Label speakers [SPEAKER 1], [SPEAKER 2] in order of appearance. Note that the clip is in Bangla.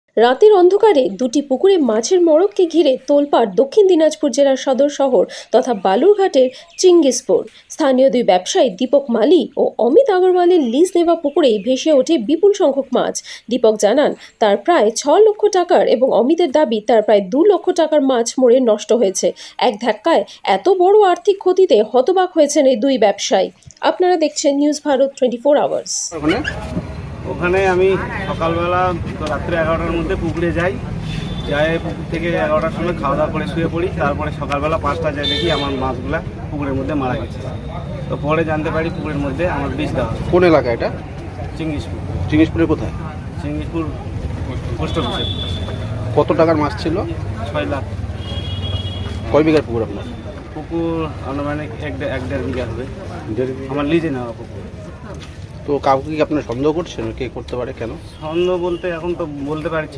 [SPEAKER 1] রাতের অন্ধকারে দুটি পুকুরে মাছের মড়ককে ঘিরে তোলপাড় দক্ষিণ দিনাজপুর জেলার সদর শহর তথা বালুরঘাটের চিঙ্গিসপুর। স্থানীয় দুই ব্যবসায়ী দীপক মালি ও অমিত আগরওয়ালের লিজ দেওয়া পুকুরেই ভেসে ওঠে বিপুল সংখ্যক মাছ। দীপক জানান তার প্রায় 6 লক্ষ টাকার এবং অমিতের দাবি তার প্রায় 2 লক্ষ টাকার মাছ মরে নষ্ট হয়েছে। এক ধাক্কায় এত বড় আর্থিক ক্ষতিতে হতবাক হয়েছেন এই দুই ব্যবসায়ী। আপনারা দেখছেন নিউজ ভারত 24 আওয়ার্স।
[SPEAKER 2] ওখানে আমি সকালবেলা রাত্রে 11টার মধ্যে পুকুরে যাই, পুকুর থেকে 11টার সময় খাওয়া দাওয়া করে শুয়ে পড়ি। তারপরে সকালবেলা 5টা যায় দেখি আমার মাছগুলা পুকুরের মধ্যে মারা গেছে। তো পরে জানতে পারি পুকুরের মধ্যে আমার বিষ দেওয়া।
[SPEAKER 3] কোন এলাকা এটা?
[SPEAKER 2] চিঙ্গিসপুর।
[SPEAKER 3] চিঙ্গিসপুরের কোথায়?
[SPEAKER 2] চিঙ্গিসপুর পোস্ট অফিসের।
[SPEAKER 3] কত টাকার মাছ ছিল?
[SPEAKER 2] 6 লাখ।
[SPEAKER 3] কয় বিঘার পুকুর আপনার?
[SPEAKER 2] পুকুর আনুমানিক 1.5 বিঘা হবে। আমার লিজে নেওয়া পুকুর।
[SPEAKER 3] তো কাউকে কি আপনার সন্দেহ করছেন কে করতে পারে, কেন?
[SPEAKER 2] সন্দেহ বলতে এখন তো বলতে পারছি